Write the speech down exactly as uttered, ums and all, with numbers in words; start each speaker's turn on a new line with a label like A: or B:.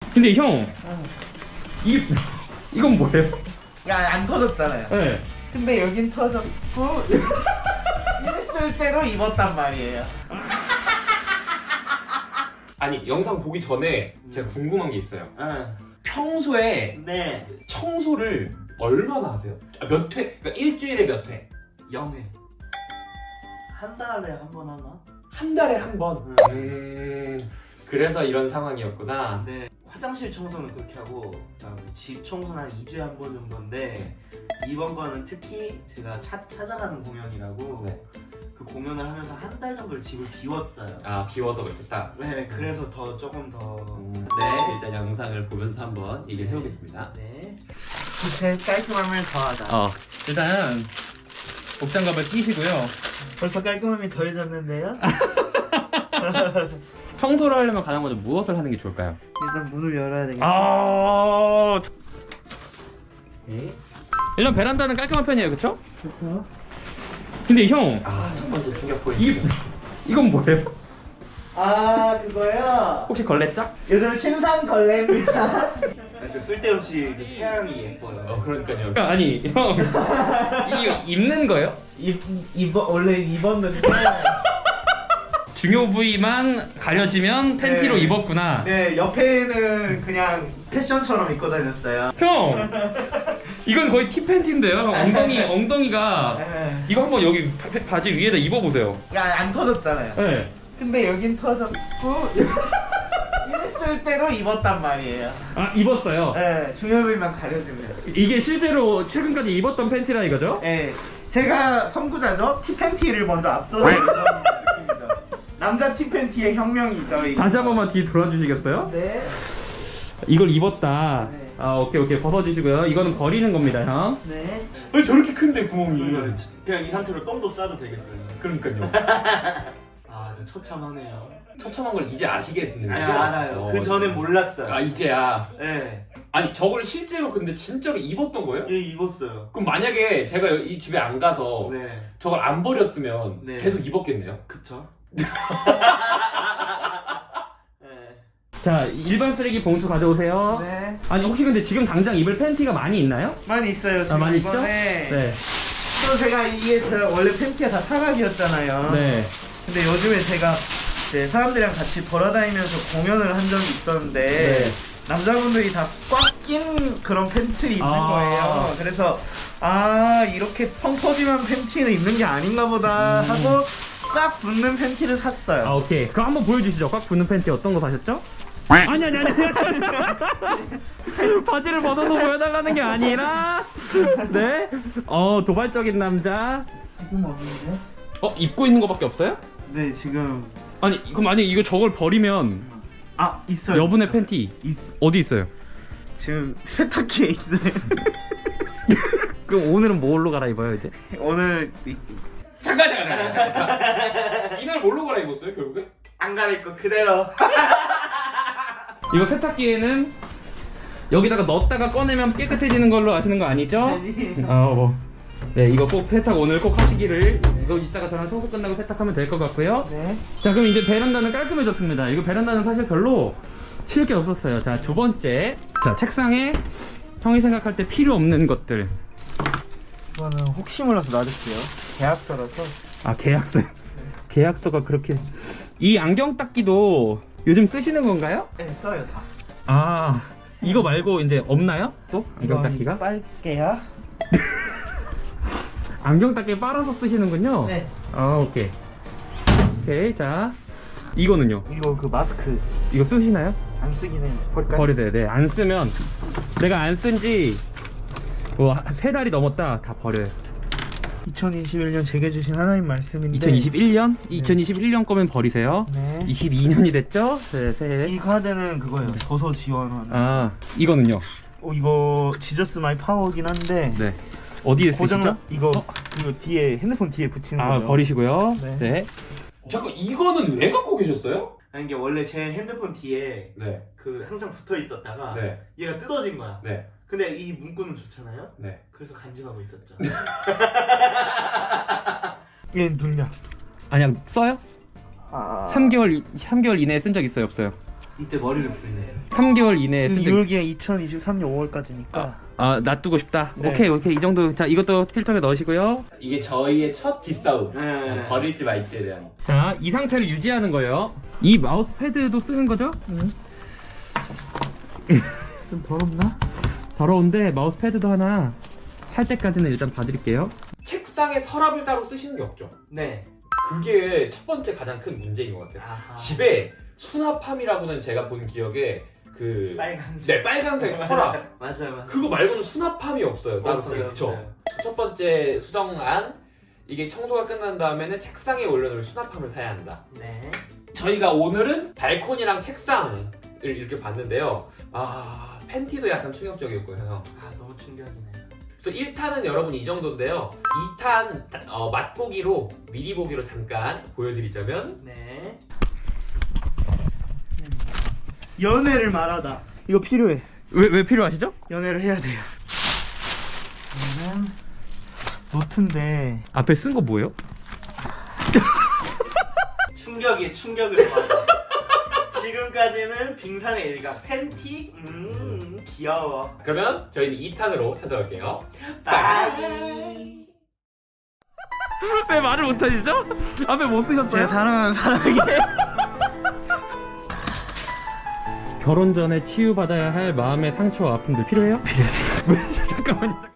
A: 근데 형,
B: 응.
A: 이 이건 뭐예요?
B: 야, 안 터졌잖아요.
A: 네.
B: 근데 여긴 터졌고 이랬을 때로 입었단 말이에요.
A: 아니 영상 보기 전에 제가 궁금한 게 있어요.
B: 응.
A: 평소에
B: 네.
A: 청소를 얼마나 하세요? 아, 몇 회? 그러니까 일주일에 몇 회?
B: 영 회. 한 달에 한 번 하나?
A: 한 달에 한 번?
B: 응.
A: 음, 그래서 이런 상황이었구나.
B: 네. 화장실 청소는 그렇게 하고 그다음에 집 청소는 한 이 주에 한 번 정도인데 이번 거는 특히 제가 차, 찾아가는 공연이라고
A: 네.
B: 그 공연을 하면서 한 달 정도를 집을 비웠어요.
A: 아, 비워서 그렇겠다.
B: 네, 그래서 더 조금 더
A: 음,
B: 네.
A: 일단 영상을 보면서 한번 얘기를 해보겠습니다.
B: 네. 밑에 깔끔함을 더하다.
A: 어, 일단 복장갑을 끼시고요.
B: 벌써 깔끔함이 더해졌는데요?
A: 청소를 하려면 가장 먼저 무엇을 하는 게 좋을까요?
B: 일단 문을 열어야 되겠다.
A: 아,
B: 네.
A: 일단 베란다는 깔끔한 편이에요, 그렇죠?
B: 좋죠.
A: 근데 형, 아, 첫 번째 충격 포인트. 이 이건 뭐예요?
B: 아, 그거요?
A: 혹시 걸레짝?
B: 요즘 신상 걸레입니다. 그 쓸데없이 그 태양이 예뻐요.
A: 어, 그러니까요. 아니, 형, 이거 입는 거예요?
B: 입, 입어, 원래 입었는데.
A: 중요 부위만 가려지면 팬티로
B: 네.
A: 입었구나.
B: 네, 옆에는 그냥 패션처럼 입고 다녔어요.
A: 형, 이건 거의 티팬티인데요. 엉덩이, 엉덩이가
B: 네.
A: 이거 한번 여기 바, 바지 위에다 입어보세요.
B: 야, 안 터졌잖아요.
A: 네.
B: 근데 여긴 터졌고 이랬을 때로 입었단 말이에요.
A: 아, 입었어요.
B: 네, 중요 부위만 가려지면.
A: 이게 실제로 최근까지 입었던 팬티라 이거죠?
B: 네, 제가 선구자죠. 티팬티를 먼저 앞서서 입은 느낌이죠. 남자 티팬티의 혁명이죠. 이거.
A: 다시 한 번만 뒤 돌아주시겠어요?
B: 네.
A: 이걸 입었다.
B: 네.
A: 아, 오케이 오케이 벗어주시고요. 이거는 버리는 겁니다, 형.
B: 네.
A: 왜 저렇게 큰데 구멍이?
B: 그냥 이 상태로 똥도 싸도 되겠어요.
A: 그러니까요.
B: 아, 저 처참하네요.
A: 처참한 걸 이제 아시겠는데?
B: 아니, 알아요.
A: 어,
B: 그 전에 몰랐어요.
A: 아, 이제야.
B: 네.
A: 아니, 저걸 실제로 근데 진짜로 입었던 거예요?
B: 예, 입었어요.
A: 그럼 만약에 제가 이 집에 안 가서
B: 네.
A: 저걸 안 버렸으면
B: 네.
A: 계속 입었겠네요.
B: 그쵸? 네.
A: 자, 일반 쓰레기 봉투 가져오세요.
B: 네.
A: 아니, 혹시 근데 지금 당장 입을 팬티가 많이 있나요?
B: 많이 있어요. 지금
A: 아, 많이
B: 이번에.
A: 있죠? 네.
B: 또 제가 이게 제가 원래 팬티가 다 사각이었잖아요.
A: 네.
B: 근데 요즘에 제가 이제 사람들이랑 같이 돌아다니면서 공연을 한 적이 있었는데
A: 네.
B: 남자분들이 다 꽉 낀 그런 팬티를 입는
A: 아.
B: 거예요. 그래서 아, 이렇게 펑 퍼짐한 팬티는 입는 게 아닌가 보다
A: 음.
B: 하고 꽉 붙는 팬티를 샀어요.
A: 아, 오케이. 그럼 한번 보여주시죠. 꽉 붙는 팬티 어떤 거 사셨죠? 아니, 아니, 아니. 바지를 벗어서 보여달라는 게 아니라. 네. 어, 도발적인 남자.
B: 지금 없는데?
A: 어, 입고 있는 거밖에 없어요?
B: 네, 지금
A: 아니, 그럼 만약에 이거 저걸 버리면
B: 아, 있어요.
A: 여분의
B: 있어요.
A: 팬티
B: 있...
A: 어디 있어요?
B: 지금 세탁기에 있네.
A: 그럼 오늘은 뭘로 갈아입어요, 이제?
B: 오늘 있...
A: 잠깐, 잠깐, 잠깐. 이날 뭘로 갈아입었어요, 결국에?
B: 안 갈아입고 그대로.
A: 이거 세탁기에는 여기다가 넣었다가 꺼내면 깨끗해지는 걸로 아시는 거 아니죠?
B: 아니.
A: 어, 뭐. 네, 이거 꼭 세탁 오늘 꼭 하시기를. 이거 이따가 저랑 청소 끝나고 세탁하면 될 것 같고요.
B: 네.
A: 자, 그럼 이제 베란다는 깔끔해졌습니다. 이거 베란다는 사실 별로 치울 게 없었어요. 자, 두 번째. 자, 책상에 형이 생각할 때 필요 없는 것들.
B: 이거는 혹시 몰라서 놔둘게요. 계약서라서.
A: 아, 계약서. 계약서가 그렇게. 이 안경 닦기도 요즘 쓰시는 건가요?
B: 네, 써요 다.
A: 아, 이거 말고 이제 없나요? 또? 안경 닦기가?
B: 빨게요.
A: 안경 닦기 빨아서 쓰시는군요?
B: 네.
A: 아, 오케이. 오케이, 자. 이거는요?
B: 이거 그 마스크
A: 이거 쓰시나요?
B: 안 쓰긴 해요. 버릴까요?
A: 버리세요. 네, 안 쓰면 내가 안 쓴 지 뭐 세 달이 넘었다. 다 버려요.
B: 이천이십일 년 제게 주신 하나님 말씀인데
A: 이천이십일 년? 이천이십일 년 거면 버리세요.
B: 네.
A: 이십이 년이 됐죠? 네, 새해.
B: 이 카드는 그거예요. 도서 지원하는.
A: 아, 이거는요?
B: 어, 이거 지저스 마이 파워긴 한데
A: 네. 어디에
B: 고장
A: 쓰시죠?
B: 이거 그 뒤에 핸드폰 뒤에 붙이는
A: 아,
B: 거예요.
A: 버리시고요.
B: 네.
A: 네. 잠깐, 이거는 왜 갖고 계셨어요?
B: 아니, 이게 원래 제 핸드폰 뒤에
A: 네.
B: 그 항상 붙어 있었다가
A: 네.
B: 얘가 뜯어진 거야.
A: 네.
B: 근데 이 문구는 좋잖아요.
A: 네.
B: 그래서 간직하고 있었죠. 얘 눌려.
A: 아니야, 써요?
B: 아...
A: 삼 개월, 삼 개월 이내에 쓴 적 있어요, 없어요?
B: 이때 머리를 풀네.
A: 삼 개월 이내에
C: 음,
A: 쓰기.
C: 유효기간 이천이십삼 년 오월까지니까.
A: 아, 놔두고 싶다.
C: 네.
A: 오케이, 오케이. 이 정도. 자, 이것도 필터에 넣으시고요.
D: 이게 저희의 첫 뒷싸움.
B: 네.
D: 버릴지 말지에 대한.
A: 자, 이 상태를 유지하는 거예요. 이 마우스 패드도 쓰는 거죠?
C: 좀 더럽나?
A: 더러운데 마우스 패드도 하나 살 때까지는 일단 봐드릴게요.
D: 책상에 서랍을 따로 쓰시는 게 없죠.
B: 네.
D: 그게 첫 번째 가장 큰 문제인 것 같아요.
B: 아하.
D: 집에 수납함이라고는 제가 본 기억에 그
B: 빨간색.
D: 네, 빨간색 서랍.
B: 맞아요, 맞아요.
D: 그거 말고는 수납함이 없어요. 따로
B: 없어요,
D: 그쵸?
B: 없어요.
D: 첫 번째 수정안, 이게 청소가 끝난 다음에는 책상에 올려놓을 수납함을 사야 한다.
B: 네.
D: 저희가 오늘은 발코니랑 책상을 이렇게 봤는데요. 아, 팬티도 약간 충격적이었고요. 형.
B: 아, 너무 충격이네요.
D: 그래서 일 탄은 여러분 이 정도인데요. 이 탄 어, 맛보기로, 미리 보기로 잠깐 보여드리자면
B: 네.
C: 연애를 말하다. 이거 필요해.
A: 왜, 왜 필요하시죠?
C: 연애를 해야 돼요. 이거는 노트인데
A: 앞에 쓴 거 뭐예요?
B: 충격이 충격을 받아. 지금까지는 빙산의 일각 팬티? 음, 귀여워.
D: 그러면 저희는 이 탄으로 찾아올게요.
B: 빠이.
A: 왜 말을 못하시죠? 앞에 못 쓰셨어요?
C: 제가 사랑하는 사람에게
A: 결혼 전에 치유받아야 할 마음의 상처와 아픔들 필요해요? 필요해요. 잠깐만요.